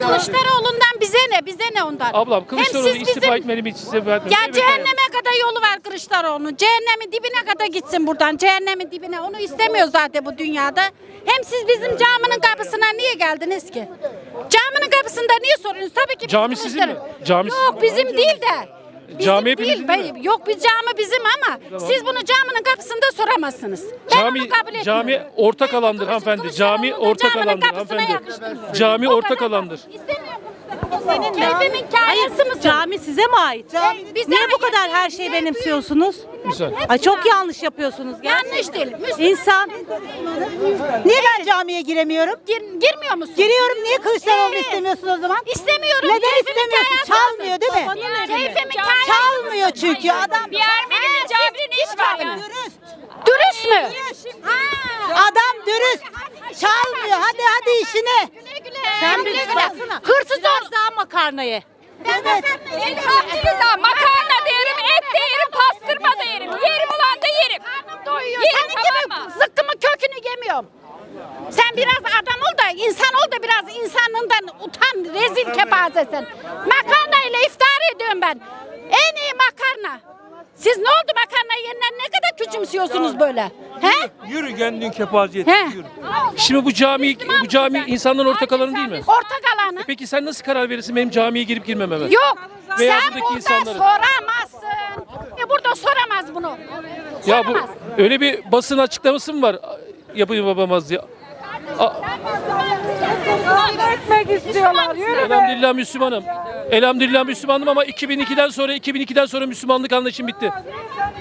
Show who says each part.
Speaker 1: Kılıçdaroğlu'ndan bize ne? Bize ne ondan?
Speaker 2: Ablam Kılıçdaroğlu
Speaker 1: Hem siz
Speaker 2: istifa
Speaker 1: bizim-
Speaker 2: etmeli mi, istifa etmeli mi?
Speaker 1: Ya
Speaker 2: Evet,
Speaker 1: cehenneme kadar yolu var Kılıçdaroğlu'nun. Cehennemin dibine kadar gitsin buradan. Cehennemin dibine. Onu istemiyor zaten bu dünyada. Hem siz bizim caminin kapısına niye geldiniz ki? Caminin kapısında niye soruyorsunuz? Tabii ki
Speaker 2: Cami
Speaker 1: bizim
Speaker 2: sizin mi?
Speaker 1: Kılıçdaroğlu.
Speaker 2: Cami
Speaker 1: Yok bizim değil de. Bizim
Speaker 2: Cami
Speaker 1: değil.
Speaker 2: hepimizin değil mi?
Speaker 1: Yok biz cami bizim ama siz bunu caminin kapısında soramazsınız. Ben
Speaker 2: Cami
Speaker 1: onu kabul etmiyorum.
Speaker 2: cami ortak alandır hanımefendi. Cami ortak
Speaker 1: Caminin
Speaker 2: alandır
Speaker 1: kapısına
Speaker 2: hanımefendi.
Speaker 1: yakıştırmıyor.
Speaker 2: Cami
Speaker 1: O
Speaker 2: ortak
Speaker 1: kadar.
Speaker 2: alandır.
Speaker 1: İstemiyorum. Keyfimin kâyası mısın?
Speaker 3: Cami size mi ait?
Speaker 1: Bize
Speaker 3: Niye bu
Speaker 1: ait.
Speaker 3: kadar her şeyi benimsiyorsunuz?
Speaker 2: Güzel.
Speaker 3: Ay çok yanlış yapıyorsunuz.
Speaker 1: Yanlış değil.
Speaker 3: İnsan
Speaker 4: Niye ben camiye giremiyorum?
Speaker 1: Girmiyor musun?
Speaker 4: Giriyorum. Niye Kılıçdaroğlu istemiyorsun o zaman?
Speaker 1: İstemiyorum.
Speaker 4: Neden
Speaker 1: Keyfimin
Speaker 4: istemiyorsun?
Speaker 1: kâyası
Speaker 4: Çalmıyor
Speaker 1: mısın?
Speaker 4: değil mi?
Speaker 1: Keyfimin kâyası.
Speaker 4: Çalmıyor çünkü adam.
Speaker 1: Bir Ermeni'nin caminin iş var mı?
Speaker 4: Dürüst.
Speaker 1: Dürüst mü?
Speaker 4: Adam dürüst. Çalmıyor. Hadi işine.
Speaker 3: sen bir baksana.
Speaker 1: Hırsız
Speaker 3: Biraz daha makarnayı.
Speaker 4: Evet.
Speaker 5: Elhamdülillah makarna da yerim, et de yerim, pastırma da yerim. Yerim ulan da yerim.
Speaker 1: doyuyor.
Speaker 5: Yerim,
Speaker 1: Senin gibi
Speaker 5: tamam mı?
Speaker 1: zıkkımın kökünü yemiyorum. Sen biraz adam ol da insan ol da biraz insanlığından utan, rezil kepazesin. Makarna ile iftar ediyorum ben. En iyi makarna. Siz ne oldu makarna yeniden ne kadar küçümsüyorsunuz böyle? He?
Speaker 6: Yürü kendin kepaziyet.
Speaker 1: He.
Speaker 6: Yürü.
Speaker 2: Şimdi bu cami insanların ortak alanı değil mi?
Speaker 1: Ortak alanı.
Speaker 2: Peki sen nasıl karar verirsin benim camiye girip girmememe?
Speaker 1: Yok.
Speaker 2: Veya
Speaker 1: Sen
Speaker 2: buradaki
Speaker 1: burada
Speaker 2: insanların.
Speaker 1: soramazsın. Burada soramaz bunu.
Speaker 2: Ya bu
Speaker 1: Soramaz.
Speaker 2: öyle bir basın açıklaması mı var? Yapayım babamaz ya. Elhamdülillah Müslümanım. Elhamdülillah Müslümanım ama 2002'den sonra Müslümanlık anlayışım bitti.